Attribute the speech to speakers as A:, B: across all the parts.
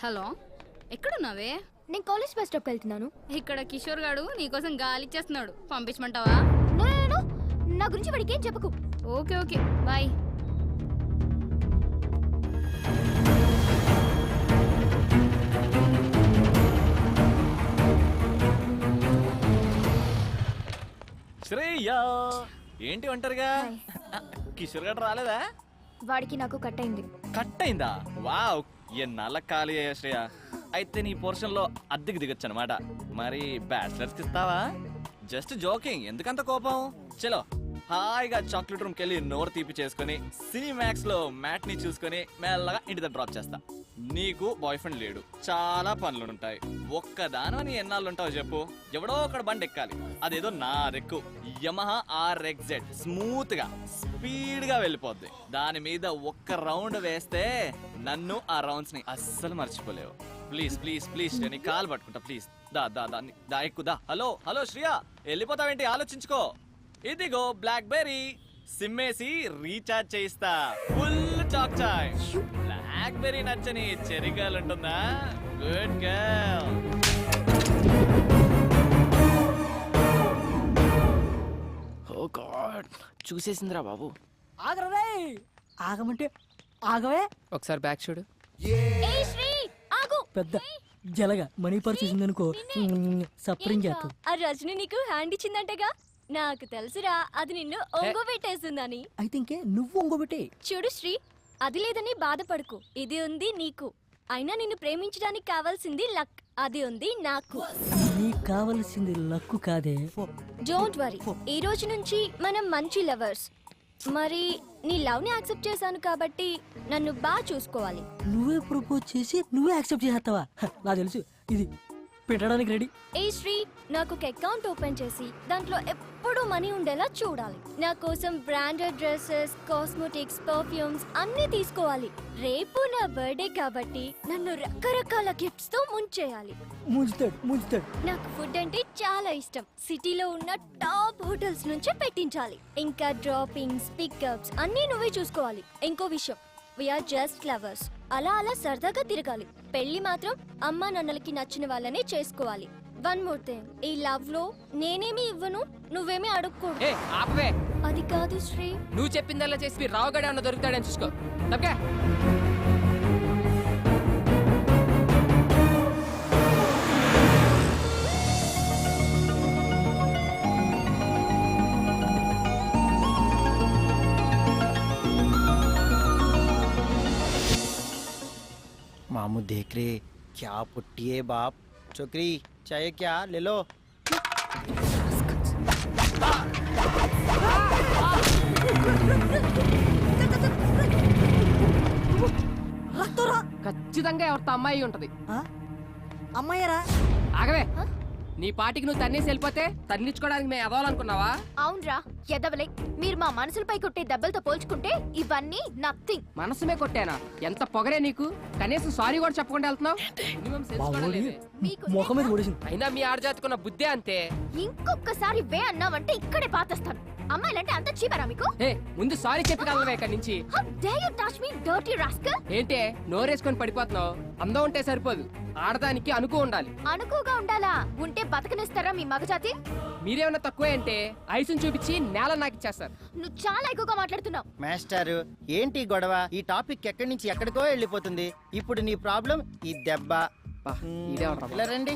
A: Hello, ఎక్కడున్నావే?
B: నేను college bus స్టాప్కి వెళ్తున్నాను.
A: ఇక్కడ కిషోర్ గాడు నీకోసం గాలి ఇచ్చేస్తున్నాడు, పంపించమంటావా?
B: నా గురించి వాడికి ఏం చెప్పకు.
A: Okay okay, bye.
C: శ్రేయా, ఏంటి ఒంటరిగా? కిషోర్ గారు రాలేదా?
B: వాడికి నాకు కట్ అయింది.
C: కట్ అయిందా? వావ్, ఎన్నాళ్ళ ఖాళీ అయ్యా శ్రేయ. అయితే నీ పోర్షన్ లో అద్దెకి దిగొచ్చు అనమాట. మరి బ్యాచిలర్స్ కి ఇస్తావా? జస్ట్ జోకింగ్, ఎందుకంత కోపం? చలో హాయిగా చాక్లెట్ రూమ్ కెళ్ళి నోరు తీపి చేసుకుని సినిమాక్స్ లో మ్యాట్ ని చూసుకుని మెల్లగా ఇంటి దగ్గర డ్రాప్ చేస్తా. నీకు బాయ్ ఫ్రెండ్ లేడు, చాలా పనులుంటాయి. ఒక్కదాని ఎన్నాళ్ళు ఉంటావు చెప్పు? ఎవడో ఒకడు బండి ఎక్కాలి, అదేదో నా రెక్కు యమహా RXZ. స్మూత్ గా స్పీడ్ గా వెళ్ళిపోద్ది. దాని మీద ఒక్క రౌండ్ వేస్తే నన్ను ఆ రౌండ్స్ ని అస్సలు మర్చిపోలేవు. ప్లీజ్ ప్లీజ్ ప్లీజ్, నేను కాలు పట్టుకుంటా ప్లీజ్. దా దా దా దా ఎక్కుదా. హలో హలో శ్రియా, వెళ్ళిపోతావేంటి? ఆలోచించుకో. ఇదిగో బ్లాక్ బెర్రీ, సిమ్మేసి రీఛార్జ్ చేయిస్తా. ఫుల్ టాక్ చాయ్. బ్లాక్ బెర్రీ నచ్చని చెర్రీ గర్ల్ ఉంటుందా? Good girl.
D: ఓ గాడ్, చూసేసిందిరా బాబు.
E: ఆగరే, ఆగమంటే ఆగవే.
D: ఒకసారి బ్యాక్ చూడు.
B: ఏయ్ శ్రీ, ఆగు.
E: పెద్ద జలగా మనీ పర్ చూసిందనుకో, సప్రింగ్ చేస్తాం.
B: ఆ రజని నీకు హ్యాండ్ ఇచ్చిందంటగా? నాకు తెలుసురా, అది నిన్ను ఒంగోబెట్టేస్తుందని.
E: అయితే ఇంకే నువ్వు ఒంగోబెట్టే.
B: చూడు శ్రీ, అది లేదని బాధపడకు, ఇది ఉంది నీకు. అయినా నిన్ను ప్రేమించడానికి కావాల్సింది లక్, అది ఉంది నాకు.
E: నీకు కావలసింది లక్కు కాదే.
B: డోంట్ వరీ, ఈ రోజు నుంచి మనం మంచి లవర్స్. మరి నీ లవ్ ని యాక్సెప్ట్ చేశాను కాబట్టి నన్ను బాగా చూసుకోవాలి.
E: నువ్వే ప్రపోజ్ చేసి నువ్వే యాక్సెప్ట్ చేస్తావా? నాకు తెలుసు, ఇది పెట్టడానికి రెడీ.
B: ఏ శ్రీ, నాకు ఒక అకౌంట్ ఓపెన్ చేసి దాంట్లో ఎప్పుడూ మనీ ఉండేలా చూడాలి. నా కోసం బ్రాండెడ్ డ్రెస్సెస్, కాస్మెటిక్స్, పర్ఫ్యూమ్స్ అన్ని తీసుకోవాలి. రేపు నా బర్త్డే కాబట్టి నన్ను రకరకాల గిఫ్ట్స్ తో ముంచేయాలి.
E: ముంచుతాడు.
B: నాకు ఫుడ్ అంటే చాలా ఇష్టం. సిటీలో ఉన్న టాప్ హోటల్స్ నుంచే పెట్టించాలి. ఇంకా డ్రాపింగ్స్, పికప్స్ అన్నీ నువ్వే చూసుకోవాలి. ఇంకో విషయం, వీఆర్ జస్ట్ లవర్స్. అలా అలా సరదాగా తిరగాలి. పెళ్లి మాత్రం అమ్మా నాన్నలకి నచ్చిన వాళ్ళనే చేసుకోవాలి. వన్ మోర్ థింగ్, ఈ లవ్ లో నేనేమి ఇవ్వను, నువ్వేమీ అడుక్కోడు.
D: ఆపవే.
B: అది కాదు శ్రీ,
D: నువ్వు చెప్పిందల్లా చేసి రావుగడే అన్న దొరుకుతాడని చూసుకో. తప్పకే.
F: मामू देख रहे, क्या पुट्टी है बाप. छोकरी चाहिए क्या? ले लो.
D: ఖచ్చితంగా ఎవరితో అమ్మాయి ఉంటది.
E: అమ్మాయరా?
D: ఆగవే. నీ పాటికి నువ్వు తన్నేసి వెళ్ళిపోతే తన్నించుకోవడానికి మేము ఎదవాలనుకున్నావా?
B: అవునరా ఎదవలే. మీరు మా మనసులపై కొట్టే దెబ్బలతో పోల్చుకుంటే ఇవన్నీ నథింగ్.
D: మనసుమే కొట్టానా? ఎంత పొగరే నీకు? కనీసం సారీ కూడా చెప్పకుండా వెళ్తున్నావు. మినిమం సెన్స్ కూడా లేదే.
E: ముఖం మీద కొడేసింది.
D: అయినా మీ ఆడజాతుకున్న బుద్ధే అంతే.
B: ఇంకొకసారి వే అన్నావంటే ఇక్కడే పాతేస్తాను. అమ్మాయిలంటే అంత చీపరా మీకు?
D: ముందు సారీ చెప్పగలవే ఇక్కడి నుంచి.
B: How dare you touch me, dirty rascal?
D: ఏంటే నోరేసుకొని పడిపోతున్నావు? అందం ఉంటే సరిపోదు, ఆడదానికి అనుకో ఉండాలి.
B: అనుకుగా ఉండాలా? ఉంటే బతకనిస్తారా మీ మగజాతి?
D: మీరేమన్నా తక్కువే అంటే ఐసుని చూపించి నేల నాకు ఇచ్చేస్తారు.
B: నువ్వు చాలా ఎక్కువగా మాట్లాడుతున్నావు.
F: మాస్టర్, ఏంటి గొడవ? ఈ టాపిక్ ఎక్కడి నుంచి ఎక్కడికో వెళ్ళిపోతుంది. ఇప్పుడు నీ ప్రాబ్లం ఈ దెబ్బ. ఇలా రండి,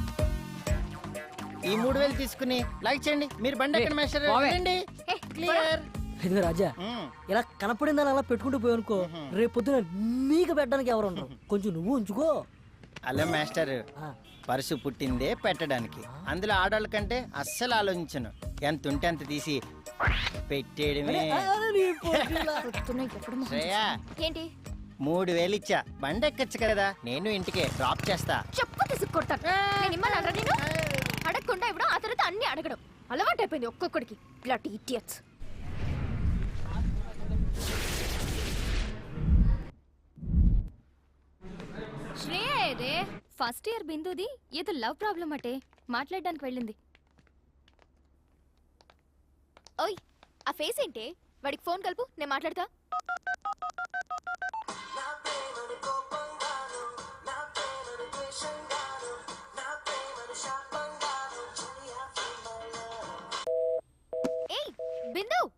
F: ఈ 3000 తీసుకుని లైక్ చేయండి. మీరు బండి ఎక్కడ మాస్టర్? రండి. క్లియర్.
E: ఇదిగో రాజా, ఇలా కనపడిందని అలా పెట్టుకుంటూ పోయానుకో, రేపు పొద్దున నీకు పెట్టడానికి ఎవరు ఉండరు. కొంచెం నువ్వు ఉంచుకో.
F: అలా మాస్టర్, పరుసు పుట్టిందే పెట్టడానికి. అందులో ఆడవాళ్ళ కంటే అస్సలు ఆలోచించను. ఎంత ఉంటే అంత తీసి పెట్టేయడమే. శ్రేయా,
B: ఏంటి
F: 3000 ఇచ్చా, బండి ఎక్కచ్చు కదా, నేను ఇంటికే డ్రాప్ చేస్తా.
B: చెప్పు తీసుకొట్టాను. నేను ఇమ్మన్నారా నేను? అడగకుండా ఇవ్వడం, ఆ తర్వాత అన్ని అడగడం అలవాటు అయిపోయింది ఒక్కొక్కడికి. Blood idiots. శ్రేయ ఏదే? ఫస్ట్ ఇయర్ బిందుది ఏదో లవ్ ప్రాబ్లం అటే, మాట్లాడడానికి వెళ్ళింది. ఓయ్, ఆ ఫేస్ ఏంటే? వాడికి ఫోన్ కలుపు, నేను మాట్లాడతా. బిందు